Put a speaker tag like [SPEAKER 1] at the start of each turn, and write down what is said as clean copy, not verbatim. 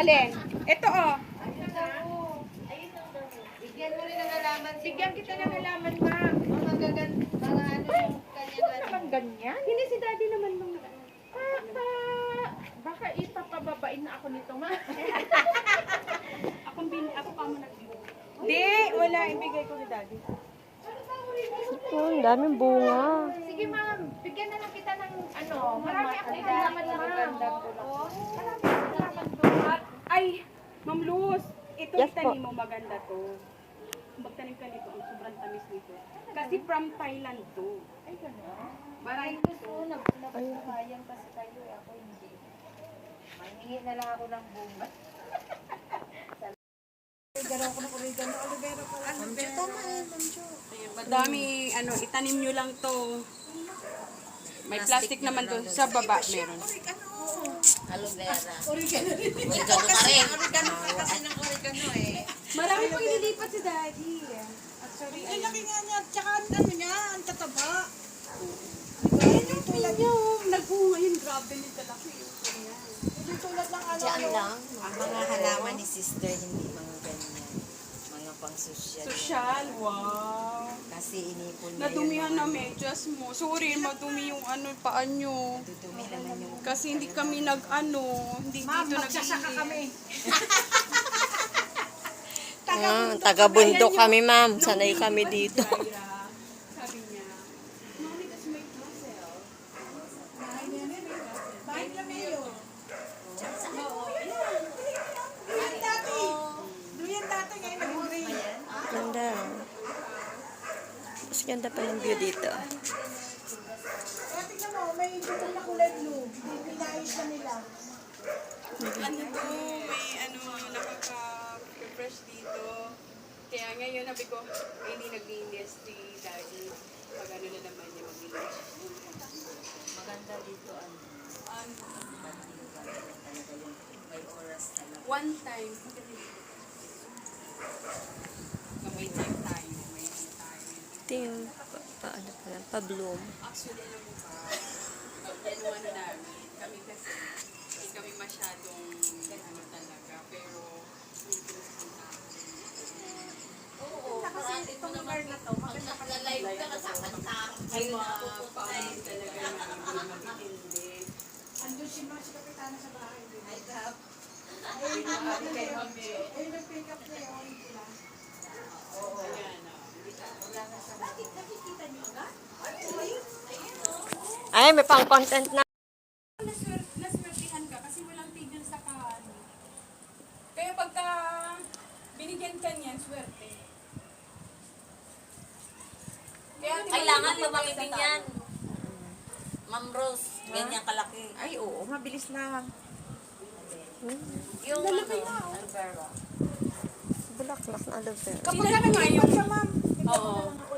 [SPEAKER 1] Alin? Ito oh.
[SPEAKER 2] Bigyan mo rin ng halaman.
[SPEAKER 1] Bigyan kita ng halaman, ma'am.
[SPEAKER 2] Mga gagan, mga ano yung kanya
[SPEAKER 1] Naman ganyan? Hindi si daddy naman nung baka ipapababain na ako nito, ma. Ako pa mo nagbibigay. Di, wala. Ibigay ko ni daddy.
[SPEAKER 3] Oh, ang daming bunga.
[SPEAKER 1] Sige, ma'am. Bigyan na lang kita ng ano. Marami akong halaman, ma'am. Marami akong halaman doon. Ay, Ma'am Luz, ito
[SPEAKER 3] Yes,
[SPEAKER 1] itanim mo, maganda to. Magtanim ka nito, ang sobrang tamis nito. Kasi from Thailand to. Ay, gano'n. Maray ko to.
[SPEAKER 2] Nagpapayang kasi kayo eh. Ako hindi. Mahingi na lang ako ng bunga. Gano'n ko na oregano. Olivero pala. Tama yan, Ma'am Jo.
[SPEAKER 1] Madami, itanim nyo lang to. May plastic naman to. Sa baba meron.
[SPEAKER 2] Aloe vera.
[SPEAKER 4] Oregano rin.
[SPEAKER 2] Oregano pa rin.
[SPEAKER 4] Oregano ka kasi ng oregano eh.
[SPEAKER 1] Marami pang inilipat si daddy. Actually,
[SPEAKER 4] Ang laki nga niya. Tsaka ano niya, ang tataba.
[SPEAKER 1] nagbunga yun. Grabe nito kalaki.
[SPEAKER 4] Hindi tulad ng ano.
[SPEAKER 2] Diyan lang. Ang mga halaman ni sister, hindi mga ganyan. Mga pang-social.
[SPEAKER 1] Social, wow.
[SPEAKER 2] Kasi inipon niya
[SPEAKER 1] Nadumihan na medyas mo. Sorry, madumi yung paan nyo.
[SPEAKER 2] Dudumi naman yung...
[SPEAKER 1] Kasi hindi kami hindi
[SPEAKER 4] Ma'am,
[SPEAKER 1] dito
[SPEAKER 4] magsasaka kami.
[SPEAKER 3] Taga-bundok kami, ma'am. Sanay kami dito.
[SPEAKER 1] Sabi niya, Mommy, that's my puzzle.
[SPEAKER 4] Bahay kami yun. Duyan dati. Duyan dati ngayon nag-green.
[SPEAKER 3] Ganda. Mas ganda pa ng view dito.
[SPEAKER 4] Kaya tingnan mo, may putol na kulay blue. Pinayos na nila.
[SPEAKER 1] May nakaka-refresh dito. Kaya ngayon, sabi ko, hindi naglinis si daddy. Pag na naman niya maglinis.
[SPEAKER 2] Maganda dito ano. May oras talaga.
[SPEAKER 1] One time, may time tayo.
[SPEAKER 3] Ito yung paano pa lang, pa-bloom.
[SPEAKER 1] Actually, alam mo ba, yan namin, kami kasi, hindi kami masyadong talaga, pero yung pinupunta
[SPEAKER 2] Oo, kasi itong lugar na to, maganda ka live ka kasama sa
[SPEAKER 1] ay mga paamin talaga na magtindi.
[SPEAKER 4] Andun si Mas Kapitana sa bahay.
[SPEAKER 2] Ay, kap.
[SPEAKER 4] Ayun nag-pick up niya yun.
[SPEAKER 1] Ayan,
[SPEAKER 4] Bakit nakikita niyo agad?
[SPEAKER 3] Ay, may pang-content na.
[SPEAKER 1] naswertihan ka kasi walang tigil sa kaano. Kaya pagka binigyan ka niyan, swerte. Kaya
[SPEAKER 2] Kailangan lumaki din yan. Ma'am Rose, ganyan kalaki.
[SPEAKER 4] Ay, oo. Mabilis lang.
[SPEAKER 2] Yung aloe vera.
[SPEAKER 3] Bulaklak na aloe vera.
[SPEAKER 4] Kapag ka nag-iipon siya, ma'am.
[SPEAKER 1] Oo.